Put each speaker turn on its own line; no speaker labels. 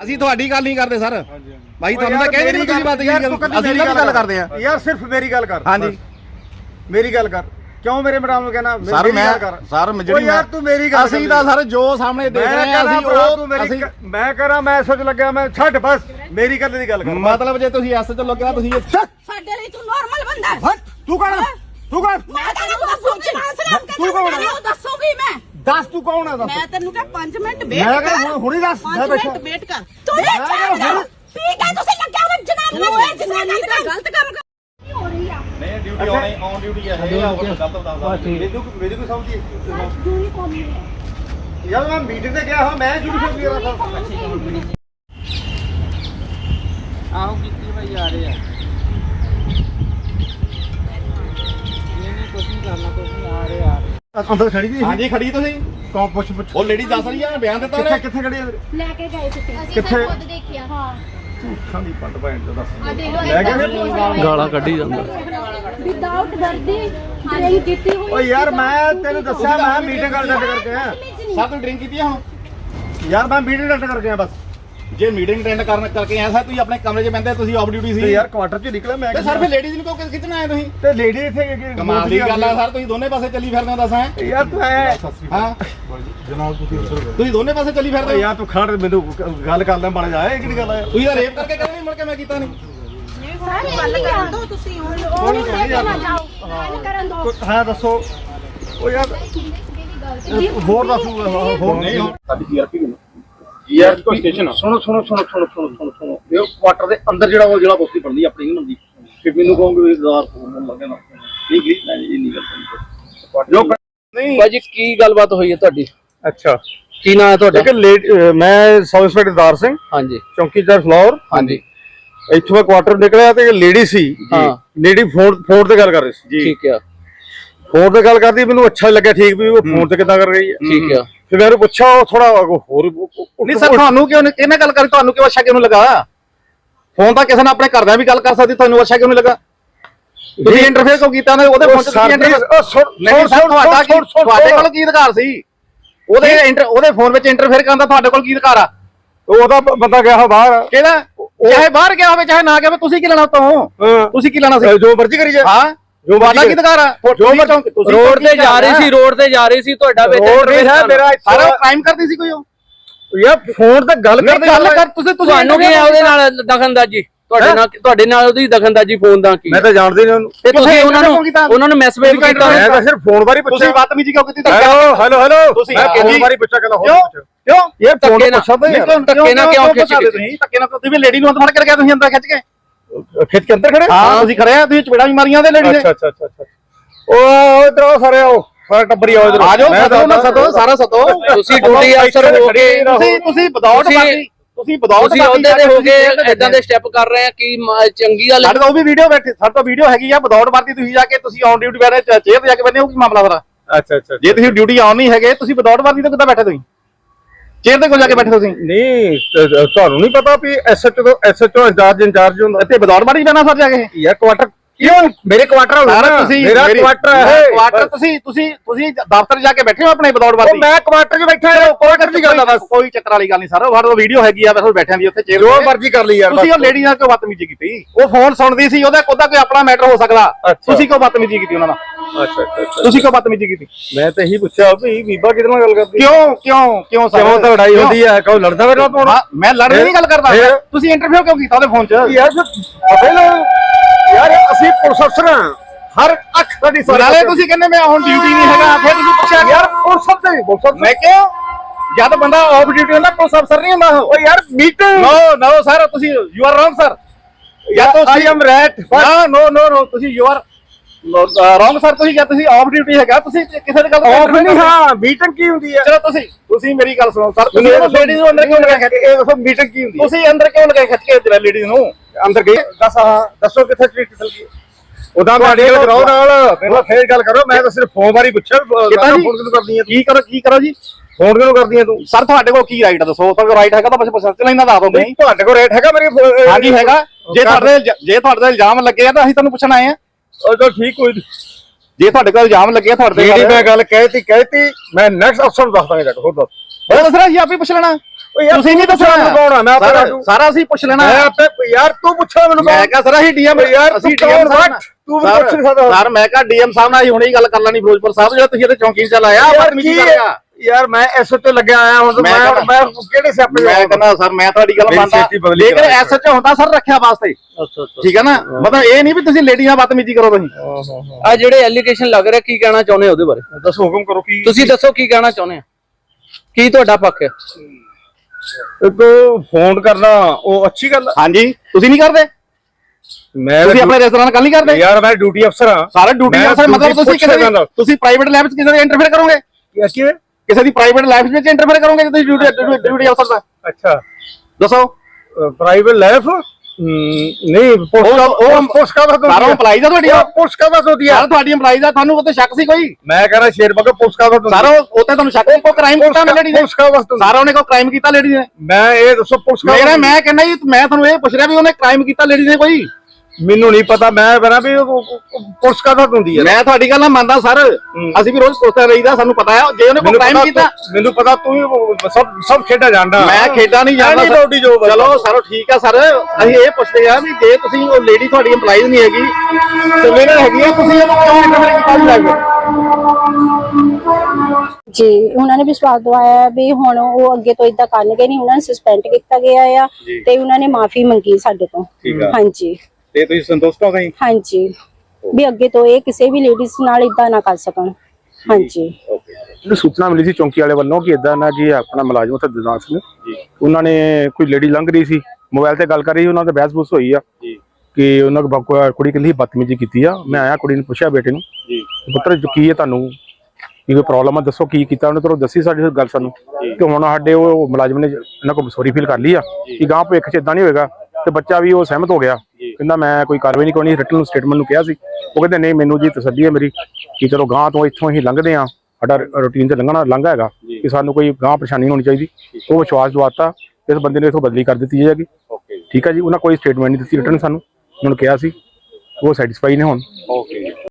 ਅਸੀਂ ਤੁਹਾਡੀ ਗੱਲ ਨਹੀਂ ਕਰਦੇ ਸਰ ਭਾਈ, ਤੁਹਾਨੂੰ ਤਾਂ ਕਹਿੰਦੇ ਨਹੀਂ ਤੁਸੀਂ ਬਾਤ ਕੀ ਅਸੀਂ ਇਹਨਾਂ ਦੀ ਗੱਲ ਕਰਦੇ ਆ
ਯਾਰ। ਸਿਰਫ ਮੇਰੀ ਗੱਲ ਕਰ।
ਹਾਂਜੀ
ਮੇਰੀ ਗੱਲ ਕਰ। ਕਿਉਂ ਮੇਰੇ ਮੈਡਮ ਨੂੰ ਕਹਿਣਾ?
ਸਰ ਮੈਂ ਸਰ ਜਿਹੜੀ
ਯਾਰ ਤੂੰ ਮੇਰੀ ਗੱਲ
ਅਸੀਂ ਤਾਂ ਸਰ ਜੋ ਸਾਹਮਣੇ ਦੇਖ ਰਹੇ ਆ ਅਸੀਂ ਉਹ
ਮੈਂ ਕਰਾਂ ਮੈਂ ਸੋਚ ਲੱਗਿਆ ਮੈਂ ਛੱਡ ਬਸ ਮੇਰੀ ਗੱਲ ਦੀ ਗੱਲ ਕਰ।
ਮਤਲਬ ਜੇ ਤੁਸੀਂ ਐਸ ਚ ਲੱਗਿਆ ਤੁਸੀਂ
ਸਾਡੇ ਲਈ ਤੂੰ ਨਾਰਮਲ ਬੰਦਾ ਹੈ।
ਤੂੰ ਕੌਣ? ਤੂੰ ਕੌਣ?
ਮੈਂ ਤੈਨੂੰ ਦੱਸੂਗੀ
ਤੂੰ ਕੌਣ ਹੈ?
ਦੱਸੂਗੀ ਮੈਂ।
ਦੱਸ ਤੂੰ ਕੌਣ ਹੈ?
ਮੈਂ ਤੈਨੂੰ ਕਿਹਾ 5 ਮਿੰਟ ਵੇਟ
ਮੈਂ
ਕਰ।
ਕਹਿੰਦਾ ਹੁਣੀ ਦੱਸ।
5 ਮਿੰਟ ਵੇਟ ਕਰ। ਤੂੰ ਇਹ ਚਾਹ ਠੀਕ ਹੈ ਤੁਸੀਂ ਲੱਗਿਆ ਉਹ ਜਨਾਨੀ ਨੂੰ ਇਹ ਜਨਾਨੀ ਦਾ ਗਲਤ ਕੰਮ ਕਰ ਹੋ ਰਹੀ ਆ।
ਨਹੀਂ ਡਿਊਟੀ ਔਨ ਡਿਊਟੀ ਹੈ ਇਹ ਆਪ ਗਲਤ ਬਤਾਉਂਦਾ
ਮੇਰੇ ਕੋ ਸਮਝੀ
ਦੂਰੀ ਕੋਮੀ ਹੈ
ਯਾਰ ਮੈਂ ਮੀਟਿੰਗ ਤੇ ਗਿਆ ਹਾਂ ਮੈਂ ਝੂਠ ਬੋਲ ਰਿਹਾ ਸੀ।
ਆਹੋ ਕੀਤੀ ਭਾਈ ਆ ਰਹੇ ਆ ਨਹੀਂ ਕੁਝ ਨਹੀਂ ਕਰਨਾ ਕੁਝ ਨਹੀਂ ਆ ਰਹੇ ਆ
ਅੰਦਰ ਖੜੀ ਸੀ।
ਹਾਂਜੀ ਖੜੀ ਤੁਸੀਂ
ਕੌਣ? ਪੁੱਛ
ਉਹ ਲੇਡੀ ਦੱਸ ਰਹੀ ਆ ਬਿਆਨ ਦਿੱਤਾ ਉਹਨੇ।
ਕਿੱਥੇ ਖੜੀ ਹੈ?
ਲੈ ਕੇ ਗਏ ਤੁਸੀਂ
ਅਸੀਂ
ਕਿੱਥੇ?
ਖੁਦ ਦੇਖਿਆ। ਹਾਂ
ਖਾਂਦੀ ਪੱਟ ਭੈਣ ਦਾ ਦੱਸ।
ਆ ਦੇਖ ਲਓ
ਲੈ ਕੇ
ਗਾਲਾਂ ਕੱਢੀ ਜਾਂਦਾ।
ਵਿਦਆਊਟ ਵਰਦੀ ਡਰਿੰਕ ਕੀਤੀ ਹੋਈ।
ਓ ਯਾਰ ਮੈਂ ਤੈਨੂੰ ਦੱਸਿਆ ਮੈਂ ਮੀਟਿੰਗ ਅਟੈਂਡ ਕਰਕੇ ਆਇਆ।
ਸਰ ਤੁਸੀਂ ਡਰਿੰਕ ਕੀਤੀ ਆ ਹੁਣ?
ਯਾਰ ਮੈਂ ਮੀਟਿੰਗ ਅਟੈਂਡ ਕਰਕੇ ਆਇਆ ਬਸ।
ਜੇ ਮੀਟਿੰਗ ਅਟੈਂਡ ਕਰਕੇ ਆਇਆ ਸਰ ਤੁਸੀਂ ਆਪਣੇ ਕਮਰੇ 'ਚ ਬੈਠੇ ਤੁਸੀਂ ਆਫ ਡਿਊਟੀ
ਤੇ
ਸੀ
ਯਾਰ ਕੁਆਟਰ ਚ ਨਿਕਲਿਆ ਮੈਂ।
ਤੇ ਸਰ ਫਿਰ ਲੇਡੀਜ਼ ਨੂੰ ਕਿਉਂ ਖਿੱਚਣ ਆਏ ਤੁਸੀਂ?
ਤੇ ਲੇਡੀ ਇੱਥੇ
ਕਮਾਲ ਦੀ ਗੱਲ ਆ ਸਰ, ਤੁਸੀਂ ਦੋਨੇ ਪਾਸੇ ਚੱਲੀ ਫਿਰਦੇ ਹੋ ਦੱਸਾਂ।
ਯਾਰ ਤੂੰ ਐ
ਹਾਂ
ਜਨਾਬ
ਤੁਸੀਂ ਦੋਨੇ ਪਾਸੇ ਚੱਲੀ ਫਿਰਦੇ ਹੋ।
ਯਾਰ ਤੂੰ ਖੜ ਮੈਨੂੰ ਗੱਲ ਕਰ ਲੈ ਮਾੜਾ ਜਾ। ਇਹ ਕਿਹੜੀ ਗੱਲ ਆ?
ਤੁਸੀਂ ਤਾਂ ਰੇਪ ਕਰਕੇ ਕਹਿੰਦੇ ਮੁੜ ਕੇ ਮੈਂ ਕੀਤਾ ਨਹੀਂ।
ਸਾਰੇ ਗੱਲ ਕਰਨ ਦੋ ਤੁਸੀਂ ਹੁਣ
ਕੋਈ
ਉਹਨੂੰ ਲੈ ਕੇ ਨਾ ਜਾਓ। ਗੱਲ ਕਰਨ ਦੋ।
ਹਾਂ ਦੱਸੋ। ਓ ਯਾਰ ਹੋਰ ਦੱਸੋ ਹੋਰ
ਨਹੀਂ ਸਾਡੀ ਜੀਆਰਪੀ ਨੂੰ
ਯਾਰ ਕੋਈ ਸਟੇਸ਼ਨ ਸੁਣੋ ਇਹ ਕੁਆਟਰ ਦੇ ਅੰਦਰ ਜਿਹੜਾ ਬੋਸਤੀ ਬਣਦੀ ਆਪਣੀ ਨਹੀਂ ਬਣਦੀ। ਫਿਰ ਮੈਨੂੰ ਕਹੋਗੇ ਵੀ ਦਾਰ ਫੋਨ ਲੱਗੇ ਨਾ ਨਹੀਂ ਮੈਂ ਇਹ ਨਹੀਂ ਗੱਲ ਜੋ ਨਹੀਂ।
ਭਾਜੀ ਕੀ ਗੱਲਬਾਤ ਹੋਈ ਹੈ ਤੁਹਾਡੀ?
ਅੱਛਾ
ਕੀ ਨਾਮ ਹੈ ਤੁਹਾਡਾ?
ਮੈਂ ਸਬ ਇੰਸਪੈਕਟਰ ਦਾਰ ਸਿੰਘ
ਹਾਂਜੀ
ਚੌਂਕੀਦਾਰ ਫਲੋਰ।
ਹਾਂਜੀ
ਇੱਥੋਂ ਮੈਂ ਕੁਆਟਰ ਨਿਕਲਿਆ ਤੇ ਲੇਡੀ ਸੀ।
ਹਾਂ
ਲੇਡੀ ਫੋਨ ਤੇ ਗੱਲ ਕਰ ਰਹੀ ਸੀ ਜੀ।
ਠੀਕ ਆ
ਫੋਨ ਤੇ ਗੱਲ ਕਰਦੀ ਮੈਨੂੰ ਅੱਛਾ ਲੱਗਿਆ ਠੀਕ ਵੀ ਉਹ ਫੋਨ ਤੇ ਕਿੱਦਾਂ ਕਰ ਰਹੀ ਹੈ।
ਠੀਕ ਆ
ਫਿਰ ਮੈਂ ਉਹਨੂੰ ਪੁੱਛਿਆ ਉਹ ਥੋੜਾ ਹੋਰ
ਨਹੀਂ ਸਰ ਤੁਹਾਨੂੰ ਕਿਉਂ ਕਿਹਨੇ ਗੱਲ ਕਰੀ? ਤੁਹਾਨੂੰ ਕਿਉਂ ਅੱਛਾ ਕਿਉਂ ਲੱਗਾ? ਫੋਨ ਤਾਂ ਕਿਸੇ ਨੇ ਆਪਣੇ ਘਰਦਿਆਂ ਵੀ ਗੱਲ ਕਰ ਸਕਦੀ, ਤੁਹਾਨੂੰ ਅੱਛਾ ਕਿਉਂ ਨਹੀਂ ਲੱਗਾ? ਤੁਸੀਂ ਇੰਟਰਫੇਅਰ ਕਿਉਂ ਕੀਤਾ ਨੇ ਉਹਦੇ ਫੋਨ 'ਚ? ਨਹੀਂ ਸਰ ਤੁਹਾਡੇ ਕੋਲ ਕੀ ਅਧਿਕਾਰ ਸੀ? ਉਹਦੇ ਫੋਨ ਵਿੱਚ ਇੰਟਰਫੇਅਰ ਕਰਨ ਦਾ ਤੁਹਾਡੇ ਕੋਲ ਕੀ ਅਧਿਕਾਰ ਆ?
ਉਹਦਾ ਬੰਦਾ ਗਿਆ ਬਾਹਰ।
ਕਿਹਦਾ? ਚਾਹੇ ਬਾਹਰ ਗਿਆ ਹੋਵੇ ਚਾਹੇ ਨਾ ਗਿਆ ਹੋਵੇ, ਤੁਸੀਂ ਕੀ ਲੈਣਾ ਤੋਂ? ਤੁਸੀਂ ਕੀ ਲੈਣਾ ਸੀ?
ਜੋ ਮਰਜ਼ੀ ਕਰੀ ਜਾ।
ਹਾਂ ਜੋ ਵਾਦਾ ਕੀ ਅਧਿਕਾਰ ਆ?
ਰੋਡ ਤੇ ਜਾ ਰਹੀ ਸੀ ਤੁਹਾਡਾ ਵਿੱਚ
ਮੇਰਾ
ਸਾਰਾ ਕ੍ਰਾਈਮ ਕਰਦੀ ਸੀ ਕੋਈ? ਉਹ
ਯਾਰ ਫੋਨ ਤੇ ਗੱਲ
ਗੱਲ ਕਰ ਤੁਸੀਂ
ਤੁਹਾਨੂੰ ਕੀ ਹੈ ਉਹਦੇ ਨਾਲ ਦਖਲਅੰਦਾਜ਼ੀ? ਤੁਹਾਡੇ ਨਾਲ ਉਹਦੀ ਦਖਲਅੰਦਾਜ਼ੀ ਫੋਨ ਦਾ ਕੀ?
ਮੈਂ ਤਾਂ ਜਾਣਦੀ ਨਹੀਂ ਉਹਨੂੰ।
ਤੇ ਤੁਸੀਂ ਉਹਨਾਂ ਨੂੰ ਮੈਸੇਜ ਕੀਤਾ?
ਮੈਂ ਤਾਂ ਸਿਰਫ ਫੋਨ ਬਾਰੇ ਪੁੱਛਿਆ।
ਤੁਸੀਂ ਬਦਤਮੀਜ਼ੀ ਕਿਉਂ ਕੀਤੀ?
ਹੈਲੋ
ਤੁਸੀਂ
ਫੋਨ ਬਾਰੇ ਪੁੱਛਿਆ ਕਹਿੰਦਾ ਹੋਰ
ਕਿਉਂ
ਇਹ ਫੋਨ
ਧੱਕੇ ਨਾਲ
ਪੁੱਛਦਾ
ਧੱਕੇ ਨਾਲ ਕਿਉਂ ਖਿੱਚ ਕੇ?
ਤੁਸੀਂ ਧੱਕੇ ਨਾਲ ਤੁਸੀਂ ਵੀ ਲੇਡੀ ਨੂੰ ਅੰਦਰ ਫੜ ਕੇ ਗਿਆ ਤੁਸੀਂ ਅੰਦਰ ਖਿੱਚ ਕੇ?
ਖਿੱਚ ਕੇ ਅੰਦਰ ਖੜੇ?
ਹਾਂ ਤੁਸੀਂ ਖੜੇ ਆ, ਤੁਸੀਂ ਚਪੇੜਾ ਵੀ ਮਾਰੀਆਂ ਉਹਦੇ ਲੇਡੀ ਦੇ।
ਅੱਛਾ ਉਹ ਇਧਰ ਆਓ ਸਾਰੇ ਆਓ ਸਾਰੇ ਟੱਬਰੀ ਆਓ ਇਧਰ
ਆ ਜਾਓ ਸਦੋ ਨਾ ਸਦੋ ਸਾਰਾ ਸਦੋ।
ਤੁਸੀਂ ਡਿਊਟੀ ਅਫਸਰ ਹੋ ਕੇ
ਤੁਸੀਂ ਵਿਦਆਊਟ ਬਾਕੀ ਤੁਸੀਂ ਵਿਦਆਊਟ
ਤੁਸੀਂ ਉਹਦੇ ਤੇ ਹੋ ਕੇ ਇਦਾਂ ਦੇ ਸਟੈਪ ਕਰ ਰਹੇ ਆ ਕਿ ਚੰਗੀ ਗੱਲ?
ਸਾਡੇ ਤਾਂ ਉਹ ਵੀ ਵੀਡੀਓ ਬੈਠੇ, ਸਾਡੇ ਤੋਂ ਵੀਡੀਓ ਹੈਗੀ ਆ। ਵਿਦਆਊਟ ਵਰਦੀ ਤੁਸੀਂ ਜਾ ਕੇ ਤੁਸੀਂ ਔਨ ਡਿਊਟੀ ਬੈਠੇ ਚੇਅਰ ਤੇ ਜਾ ਕੇ ਬੈਠੇ ਹੋ, ਕੀ ਮਾਮਲਾ ਸਾਰਾ?
ਅੱਛਾ
ਜੇ ਤੁਸੀਂ ਡਿਊਟੀ ਆਨ ਨਹੀਂ ਹੈਗੇ ਤੁਸੀਂ ਵਿਦਆਊਟ ਵਰਦੀ ਤੇ ਕਿੱਦਾਂ ਬੈਠੇ? ਤੁਸੀਂ ਚੇਅਰ ਤੇ ਕਿਉਂ ਜਾ ਕੇ ਬੈਠੇ ਤੁਸੀਂ?
ਨਹੀਂ ਤੁਹਾਨੂੰ ਨਹੀਂ ਪਤਾ ਵੀ ਐਸਐਚਓ ਇੰਚਾਰਜ ਹੁੰਦਾ
ਇੱਥੇ ਵਿਦਆਊਟ ਵਰਦੀ ਬੈਠਾ ਸਰ ਜਾ ਕੇ?
ਯਾਰ ਕੁਆਟਰ ਕਿਉਂ ਮੇਰੇ ਕੁਆਟਰ ਹੋ
ਸਾਰਾ ਤੁਸੀਂ
ਮੇਰਾ ਕੁਆਟਰ ਹੈ।
ਕੁਆਟਰ ਤੁਸੀਂ ਦਫ਼ਤਰ ਜਾ ਕੇ ਬੈਠੇ ਹੋ ਆਪਣੇ ਵਿਦਆਊਟ ਵਰਦੀ?
ਮੈਂ ਕੁਆਟਰ 'ਚ ਬੈਠਾ ਹਾਂ। ਕੁਆਟਰ ਦੀ ਗੱਲ ਆ ਬਸ।
ਕੋਈ ਚੱਕਰ ਵਾਲੀ ਗੱਲ ਨਹੀਂ ਸਰ। ਸਾਡੇ ਕੋਲ ਵੀਡੀਓ ਹੈਗੀ ਆ, ਬਸ ਬੈਠਿਆਂ ਦੀ ਉੱਥੇ ਚੇਅਰ
ਜੋ ਮਰਜ਼ੀ ਕਰ ਲਈ ਯਾਰ।
ਤੁਸੀਂ ਉਹ ਲੇਡੀ ਨਾਲ ਕਿਉਂ ਬਦਤਮੀਜ਼ੀ ਕੀਤੀ? ਉਹ ਫੋਨ ਸੁਣਦੀ ਸੀ, ਉਹਦਾ ਕੋਈ ਆਪਣਾ ਮੈਟਰ ਹੋ ਸਕਦਾ। ਤੁਸੀਂ ਕਿਉਂ ਬਦਤਮੀਜ਼ੀ ਕੀਤੀ ਉਹਨਾਂ ਨਾਲ?
ਅੱਛਾ
ਤੁਸੀਂ ਕਿਉਂ ਬਦਤਮੀਜ਼ੀ ਕੀਤੀ?
ਮੈਂ ਤਾਂ ਇਹੀ ਪੁੱਛਿਆ ਵੀ ਬੀਬਾ ਕਿਹਦੇ ਨਾਲ ਗੱਲ ਕਰਦੀ?
ਕਿਉਂ ਸਰ?
ਕਿਉਂ ਤਾਂ ਲੜਾਈ ਹੁੰਦੀ ਹੈ? ਕਹੋ ਲੜਦਾ ਮੇਰੇ ਨਾਲ?
ਹਾਂ ਮੈਂ ਲੜਨ ਦੀ ਗੱਲ ਕਰਦਾ। ਤੁਸੀਂ ਇੰਟਰਵਿਊ ਕਿਉਂ ਕੀਤਾ ਉਹਦੇ ਫੋਨ 'ਚ?
ਯਾਰ ਅਸੀਂ ਪੁਲਿਸ ਅਫਸਰ ਹਾਂ। ਹਰ ਅੱਖ ਸਾਡੀ
ਨਾਲੇ ਤੁਸੀਂ ਕਹਿੰਦੇ ਮੈਂ ਹੁਣ ਡਿਊਟੀ ਨਹੀਂ ਹੈਗਾ, ਫਿਰ ਤੁਸੀਂ ਪੁੱਛਿਆ
ਯਾਰ ਪੁਲਿਸ ਅਫਸਰ
ਮੈਂ ਕਿਉਂ? ਜਦ ਬੰਦਾ ਆਫ ਡਿਊਟੀ ਹੁੰਦਾ ਪੁਲਿਸ ਅਫਸਰ ਨਹੀਂ ਹੁੰਦਾ ਉਹ।
ਯਾਰ ਮੀਟਿੰਗ
ਨੋ ਸਰ ਤੁਸੀਂ ਯੂ ਆਰ ਰੋਂਗ ਸਰ। ਜਾਂ
ਆਈ ਐਮ ਰੈਟ।
ਨੋ ਤੁਸੀਂ ਯੂ ਆਰ ਰੋਂਗ ਸਰ। ਤੁਸੀਂ ਜਾਂ ਤੁਸੀਂ ਆਫ ਡਿਊਟੀ ਹੈਗਾ, ਤੁਸੀਂ ਕਿਸੇ ਦੀ ਗੱਲ
ਆਫ ਨਹੀਂ। ਹਾਂ ਮੀਟਿੰਗ ਕੀ ਹੁੰਦੀ ਹੈ?
ਚਲੋ ਤੁਸੀਂ ਮੇਰੀ ਗੱਲ ਸੁਣੋ ਸਰ। ਤੁਸੀਂ ਲੇਡੀਜ਼ ਨੂੰ ਅੰਦਰ ਕਿਉਂ ਲਗਾ ਖਿੱਚ ਕੇ?
ਇਹ ਦੱਸੋ ਮੀਟਿੰਗ ਕੀ ਹੁੰਦੀ ਹੈ?
ਤੁਸੀਂ ਅੰਦਰ ਕਿਉਂ ਲਗਾ ਖਿੱਚ ਕੇ ਲੇਡੀਜ਼ ਨੂੰ
ਅੰਦਰ ਗਈ? ਦੱਸੋ ਕਿੱਥੇ ਚਲੀ ਗਈ? ਉਹਦਾ ਤੁਹਾਡੀ ਗੱਲ ਕਰਾਓ ਨਾਲ, ਪਹਿਲਾਂ ਫੇਰ ਗੱਲ ਕਰੋ। ਮੈਂ ਤਾਂ ਸਿਰਫ ਫੋਨ ਬਾਰੇ ਪੁੱਛਿਆ। ਫੋਨ ਕਿਉਂ ਕਰਦੀ ਹੈ?
ਕੀ ਕਰੋ ਜੀ?
ਫੋਨ ਕਿਉਂ ਕਰਦੀ ਹੈ ਤੂੰ?
ਸਰ ਤੁਹਾਡੇ ਕੋਲ ਕੀ ਰਾਈਟ ਦੱਸੋ? ਤੁਹਾਡੇ ਕੋਲ ਰਾਈਟ ਹੈਗਾ ਤਾਂ ਬਸ ਚਲਾ ਇੰਨਾ ਦੱਸ ਦੋ। ਨਹੀਂ
ਤੁਹਾਡੇ ਕੋਲ ਰੇਟ ਹੈਗਾ ਮੇਰੇ?
ਹਾਂਜੀ ਹੈਗਾ। ਜੇ ਤੁਹਾਡੇ ਇਲਜ਼ਾਮ ਲੱਗੇ ਆ ਤਾਂ ਅਸੀਂ ਤੁਹਾਨੂੰ ਪੁੱਛਣ ਆਏ ਆ।
ਚਲੋ ਠੀਕ ਕੋਈ।
ਜੇ ਤੁਹਾਡੇ ਕੋਲ ਇਲਜ਼ਾਮ ਲੱਗੇ ਤੁਹਾਡੇ
ਜਿਹੜੀ ਮੈਂ ਗੱਲ ਕਹਿਤੀ ਮੈਂ ਨੈਕਸਟ ਅਫਸਰ ਨੂੰ ਦੱਸ ਦਾਂਗਾ। ਹੋਰ ਦੱਸ।
ਦੱਸਣਾ ਸੀ ਆਪੇ ਪੁੱਛ ਲੈਣਾ। ਤੁਸੀਂ ਨਹੀਂ ਦੱਸਣਾ
ਮੈਨੂੰ ਕੌਣ ਆ ਮੈਂ ਆਪੇ
ਸਾਰਾ- ਸਾਰਾ ਅਸੀਂ ਪੁੱਛ ਲੈਣਾ
ਮੈਂ ਆਪੇ ਯਾਰ ਤੂੰ ਪੁੱਛਿਆ ਮੈਨੂੰ
ਮੈਂ ਕਿਹਾ ਸਰ ਅਸੀਂ ਡੀਐਮ
ਯਾਰ
ਅਸੀਂ
ਤੂੰ
ਡੀਐਮ
ਕੌਣ
ਸਾਹਿਬ
ਵੱਟ ਤੂੰ ਵੀ ਪੁੱਛ ਨਹੀਂ ਸਕਦਾ
ਸਰ ਮੈਂ ਕਿਹਾ ਡੀਐਮ ਸਾਹਿਬ ਨਾਲ ਹੀ ਹੁਣੇ ਹੀ ਗੱਲ ਕਰ ਲੈਣੀ ਫਿਰੋਜ਼ਪੁਰ ਸਾਹਿਬ ਜਿਹੜਾ ਤੁਸੀਂ ਇਹਦੇ ਚੌਂਕੀ 'ਚ ਲਾਇਆ ਬਦਤਮੀਜ਼ੀ ਕਰ ਰਿਹਾ
ਯਾਰ ਮੈਂ ਐਸਓ ਲੱਗਿਆ ਆਇਆ ਹੁਣ ਮੈਂ ਕਿਹੜੇ ਸਿਆਪੇ
ਮੈਂ ਕਹਿੰਦਾ ਸਰ ਮੈਂ ਤੁਹਾਡੀ ਗੱਲ
ਮੇਰੀ
ਮੰਨਦਾ
ਸੇਫਟੀ ਬਦਲੀ
ਲੇਕਿਨ
ਕਰਾ
ਐਸਐਚ ਹੁੰਦਾ ਸਰ ਰੱਖਿਆ ਵਾਸਤੇ ਠੀਕ ਹੈ ਨਾ ਮਤਲਬ ਇਹ ਨਹੀਂ ਵੀ ਤੁਸੀਂ ਲੇਡੀ ਨਾਲ ਬਦਤਮੀਜ਼ੀ ਕਰੋ ਤੁਸੀਂ
ਆ ਜਿਹੜੇ ਐਲੀਗੇਸ਼ਨ ਲੱਗ ਰਿਹਾ ਕੀ ਕਹਿਣਾ ਚਾਹੁੰਦੇ ਹੋ ਉਹਦੇ ਬਾਰੇ
ਦੱਸੋ ਹੁਕਮ ਕਰੋ ਕੀ
ਤੁਸੀਂ ਦੱਸੋ ਕੀ ਕਹਿਣਾ ਚਾਹੁੰਦੇ ਆ ਕੀ ਤੁਹਾਡਾ ਪੱਖ ਹੈ
ਇੱਕ ਫੋਨ ਕਰਨਾ ਉਹ ਅੱਛੀ ਗੱਲ
ਹਾਂਜੀ ਤੁਸੀਂ ਨਹੀਂ ਕਰਦੇ
ਮੈਂ
ਤੁਸੀਂ ਆਪਣੇ ਰੈਸਟੋਰੈਂਟ ਨਾਲ ਗੱਲ ਨਹੀਂ ਕਰਦੇ
ਯਾਰ ਮੈਂ ਡਿਊਟੀ ਅਫਸਰ ਹਾਂ
ਸਾਰੇ ਡਿਊਟੀ
ਮੈਂ
ਅਫਸਰ ਮਤਲਬ
duty
ਤੁਸੀਂ ਕਿਸੇ
ਪੁੱਛ
ਦੀ ਤੁਸੀਂ ਪ੍ਰਾਈਵੇਟ ਲਾਈਫ 'ਚ ਕਿਸੇ ਦੀ ਇੰਟਰਫੇਅਰ ਕਰੋਗੇ
ਕੀ
ਕਿਸੇ ਦੀ ਪ੍ਰਾਈਵੇਟ ਲਾਈਫ ਵਿੱਚ ਇੰਟਰਫੇਅਰ ਕਰੋਗੇ ਜੇ ਤੁਸੀਂ ਡਿਊਟੀ ਅਫਸਰ ਦਾ
ਅੱਛਾ
ਦੱਸੋ
ਪ੍ਰਾਈਵੇਟ ਲਾਈਫ ਨਹੀਂ ਪੁਲਿਸ ਕਾ ਬਾਤ
ਸਾਰਾ EMPLOYEES ਦਾ ਤੁਹਾਡੀ
ਪੁਲਿਸ ਕਾ ਬਾਤ ਹੋਤੀ ਹੈ
ਸਾਰਾ ਤੁਹਾਡੀ EMPLOYEES ਦਾ ਤੁਹਾਨੂੰ ਉੱਤੇ ਸ਼ੱਕ ਸੀ ਕੋਈ
ਮੈਂ ਕਹ ਰਿਹਾ ਸ਼ੇਰ ਬਗਾ ਪੁਲਿਸ ਕਾ ਬਾਤ
ਸਾਰਾ ਉੱਤੇ ਤੁਹਾਨੂੰ ਸ਼ੱਕ ਕੋਈ ਕ੍ਰਾਈਮ ਕੀਤਾ ਲੇਡੀ ਨੇ
ਪੁਲਿਸ ਕਾ ਬਾਤ
ਸਾਰਾ ਉਹਨੇ ਕੋਈ ਕ੍ਰਾਈਮ ਕੀਤਾ ਲੇਡੀ ਨੇ
ਮੈਂ ਇਹ ਦੱਸੋ ਪੁਲਿਸ ਕਾ
ਮੈਂ ਕਹਿੰਦਾ ਜੀ ਮੈਂ ਤੁਹਾਨੂੰ ਇਹ ਪੁੱਛ ਰਿਹਾ ਵੀ ਉਹਨੇ ਕ੍ਰਾਈਮ ਕੀਤਾ ਲੇਡੀ ਨੇ ਕੋਈ
ਮੈਨੂੰ ਨਹੀਂ ਪਤਾ ਮੈਂ ਬਣਾ ਵੀ ਪੁਲਿਸ ਕਾ ਬਾਤ ਹੁੰਦੀ ਹੈ
ਮੈਂ ਤੁਹਾਡੀ ਗੱਲ ਨਾਲ ਮੰਨਦਾ ਸਰ ਅਸੀਂ ਵੀ ਰੋਜ਼ ਪੁੱਛਦੇ ਰਹੀਦਾ ਸਾਨੂੰ ਪਤਾ ਹੈ ਜੇ ਉਹਨੇ ਕੋਈ ਕ੍ਰਾਈਮ ਕੀਤਾ
ਮੈਨੂੰ ਪਤਾ ਤੂੰ ਸਭ ਖੇਡਾਂ ਜਾਣਦਾ
ਮੈਂ ਖੇਡਾਂ ਨਹੀਂ ਜਾਣਦਾ ਚਲੋ ਸਰ ਠੀਕ ਆ ਸਰ ਅਸੀਂ ਇਹ ਪੁੱਛਦੇ ਆ ਵੀ ਜੇ ਤੁਸੀਂ ਉਹ ਲੇਡੀ ਤੁਹਾਡੀ EMPLOYEES ਨਹੀਂ ਹੈਗੀ ਤੇ ਮੇਰੇ ਹੈਗੀ ਆ ਤੁਸੀਂ ਇਹਨੂੰ ਕਿਉਂ ਇੰਟਰਫੇਅਰ ਕੀਤਾ ਜੀ ਲੱਗ
ਜੀ ਉਹਨਾਂ ਨੇ ਵਿਸ਼ਵਾਸ ਦਵਾਇਆ ਵੀ ਹੁਣ ਉਹ ਅੱਗੇ ਤੋਂ ਇਦਾਂ ਕਰਨਗੇ ਨਹੀਂ ਉਹਨਾਂ ਨੂੰ ਸਸਪੈਂਡ ਕੀਤਾ ਗਿਆ ਆ ਤੇ ਉਹਨਾਂ ਨੇ ਮਾਫੀ ਮੰਗੀ ਸਾਡੇ ਤੋਂ ਹਾਂਜੀ
ਤੇ ਤੁਸੀਂ ਸੰਤੁਸ਼ਟ ਹੋ ਗਏ
ਹਾਂਜੀ ਵੀ ਅੱਗੇ ਤੋਂ ਇਹ ਕਿਸੇ ਵੀ ਲੇਡੀਜ਼ ਨਾਲ ਇਦਾਂ ਨਾ ਕਰ ਸਕਣ ਹਾਂਜੀ
ਜਿਹੜੀ ਸੂਚਨਾ ਮਿਲੀ ਸੀ ਚੌਂਕੀ ਵਾਲੇ ਵੱਲੋਂ ਕਿ ਇਦਾਂ ਨਾ ਜੀ ਆਪਣਾ ਮੁਲਾਜ਼ਮ ਉੱਥੇ ਦਿਦਾਰ ਸਿੰਘ ਉਹਨਾਂ ਨੇ ਕੋਈ ਲੇਡੀ ਲੰਘ ਰਹੀ ਸੀ ਮੋਬਾਈਲ ਤੇ ਗੱਲ ਕਰ ਰਹੀ ਉਹਨਾਂ ਤੇ ਬਹਿਸ-ਬੂਸ ਹੋਈ ਆ ਕਿ ਉਹਨਾਂ ਕੁੜੀ ਕਹਿੰਦੀ ਬਦਤਮੀਜ਼ੀ ਕੀਤੀ ਆ ਮੈਂ ਆਇਆ ਕੁੜੀ ਨੂੰ ਪੁੱਛਿਆ ਬੇਟੇ ਨੂੰ ਪੁੱਤਰ ਕੀ ਹੈ ਤੁਹਾਨੂੰ ਕੀ ਕੋਈ ਪ੍ਰੋਬਲਮ ਆ ਦੱਸੋ ਕੀ ਕੀਤਾ ਉਹਨੇ ਤੁਹਾਨੂੰ ਦੱਸੀ ਸਾਡੀ ਗੱਲ ਸਾਨੂੰ ਕਿ ਹੁਣ ਸਾਡੇ ਉਹ ਮੁਲਾਜ਼ਮ ਨੇ ਇਹਨਾਂ ਕੋਲ ਸੌਰੀ ਫੀਲ ਕਰ ਲਈ ਆ ਕਿ ਗਾਂ ਭਵਿੱਖ 'ਚ ਇਦਾਂ ਨਹੀਂ ਹੋਏਗਾ ਤੇ ਬੱਚਾ ਵੀ ਉਹ ਸਹਿਮਤ ਹੋ ਗਿਆ ਕਹਿੰਦਾ ਮੈਂ ਕੋਈ ਕਾਰਵਾਈ ਨਹੀਂ ਕਰਨੀ ਰਿਟਨ ਸਟੇਟਮੈਂਟ ਨੂੰ ਕਿਹਾ ਸੀ ਉਹ ਕਹਿੰਦੇ ਨਹੀਂ ਮੈਨੂੰ ਜੀ ਤਸੱਲੀ ਹੈ ਮੇਰੀ ਕਿ ਚਲੋ ਗਾਂ ਤੋਂ ਇੱਥੋਂ ਹੀ ਲੰਘਦੇ ਆ ਸਾਡਾ ਰੂਟੀਨ ਤੇ ਲੰਘਾ ਹੈਗਾ ਕਿ ਸਾਨੂੰ ਕੋਈ ਗਾਂ ਪਰੇਸ਼ਾਨੀ ਨਹੀਂ ਹੋਣੀ ਚਾਹੀਦੀ ਉਹ ਵਿਸ਼ਵਾਸ ਦਵਾਤਾ ਇਸ ਬੰਦੇ ਨੇ ਇਥੋਂ ਬਦਲੀ ਕਰ ਦਿੱਤੀ ਜਾਏਗੀ ਠੀਕ ਹੈ ਜੀ ਉਹਨਾਂ ਕੋਈ ਸਟੇਟਮੈਂਟ ਨਹੀਂ ਦਿੱਤੀ ਰਿਟਨ ਸਾਨੂੰ ਉਹਨਾਂ ਨੂੰ ਕਿਹਾ ਸੀ ਉਹ ਸੈਟੀਸਫਾਈ ਨੇ ਹੁਣ